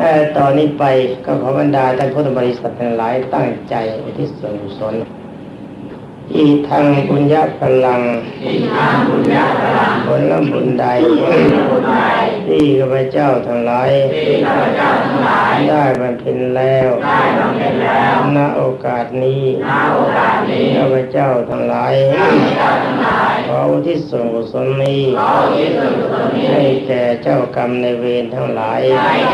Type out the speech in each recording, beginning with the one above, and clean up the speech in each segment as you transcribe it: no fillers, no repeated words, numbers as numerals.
แต่ตอนนี้ไปก็ขอบรรดาท่านพุทธบริษัททั้งหลายตั้งใจอุทิศส่วนกุศลอีทางบุญญาพลังผลบุญใดที่ข้าพเจ้าทั้งหลายได้บำเพ็ญแล้วณโอกาสนี้ข้าพเจ้าทั้งหลายขออุทิศส่วนกุศลนี้ให้แก่เจ้ากรรมในายเวรทั้งหลาย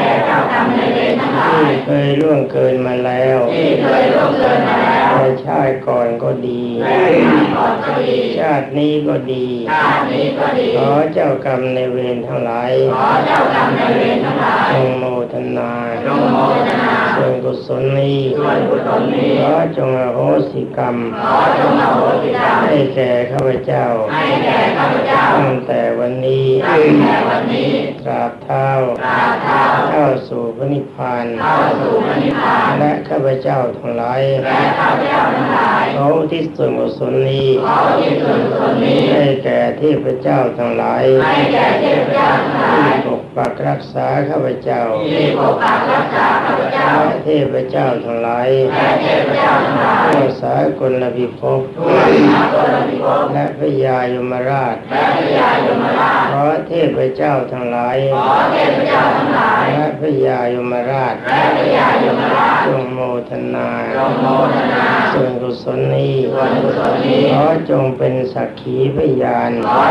ที่เคยล่วงเกินมาแล้วในชาติก่อนก็ดีชาตินี้ก็ดีขอเจ้ากรรมในายเวรทั้งหลายจงโมทนาส่วนกุศลนี้ขอจงอโหสิกรรมให้แก่ข้าพเจ้าตั้งแต่วันนี้ตราบเท่าเข้าสู่พระนิพพานและข้าพเจ้าทั้งหลายขออุทิศส่วนกุศลนี้ให้แก่เทพเจ้าทั้งหลายที่ปกปักรักษาข้าพเจ้าและเทพเจ้าทั้งหลายทั่วสากลพิภพและพระยายมราชขอเทพเจ้าทั้งหลายและพระยายมราชจงโมทนาส่วนกุศลนี้ขอจงเป็นสักขีพยาน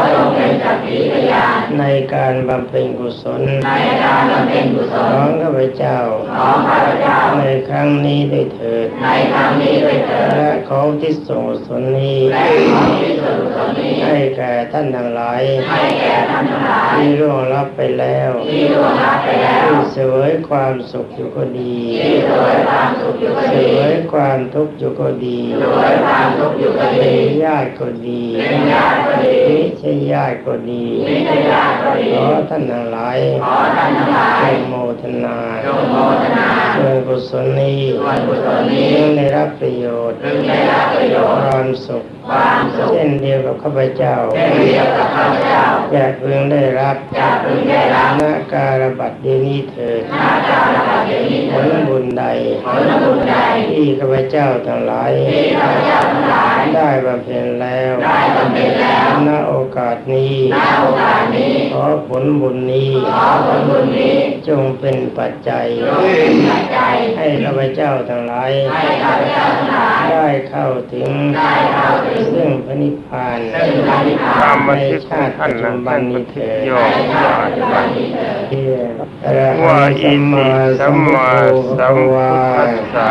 ในการบำเพ็ญกุศลของข้าพเจ้าในครั้งนี้ด้วยเถิดและขออุทิศส่วนกุศลนี้ให้แก่ท่านทั้งหลายที่ร่วงลับไปแล้วที่เสวยความสุขอยู่ก็ดีเสวยความทุกข์อยู่ก็ดีเป็นญาติก็ดีไม่ใช่ญาติก็ดีขอท่านทั้งหลายจงโมทนาส่วนกุศลนี้จึงได้รับประโยชน์ความสุขเช่นเดียวกับข้าพเจ้าจะพึงได้รับณการบัดเดี๋ยวนี้เถิดผลบุญใดที่ข้าพเจ้าทั้งหลายได้บำเพ็ญแล้วณโอกาสนี้ขอผลบุญนี้จงเป็นปัจจัยให้ข้าพเจ้าทั้งหลายได้เข้าถึงซึ่งพระนิพพานในชาติปัจจุบันนี้เถิดว่าอิติสัมมาสัมพุทธัสสะ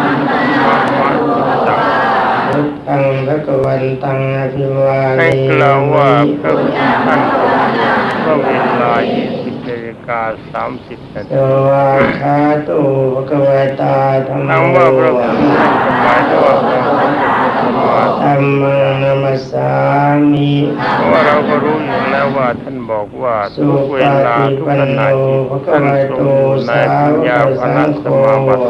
พุทธังภะคะวันตังอภิวาเทมิให้กล่าวว่าพระพุทธท่านก็เวลา20:30 นาทีสวากขาโตภะคะวะตาธัมโมว่าพระพุทธท่านหมายถึงว่าพระพุทธธัมมังนัมสสามิเพราะว่าเราก็รู้อยู่แล้วว่าท่านบอกว่าทุกเวลาทุกขณะที่ท่านทรงอยู่ในปัญญาภณสมาบัติ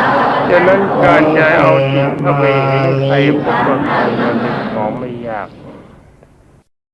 ฉะนั้นการจะเอาจิตเข้าไปให้ใครพบกับมันเป็นของไม่ยาก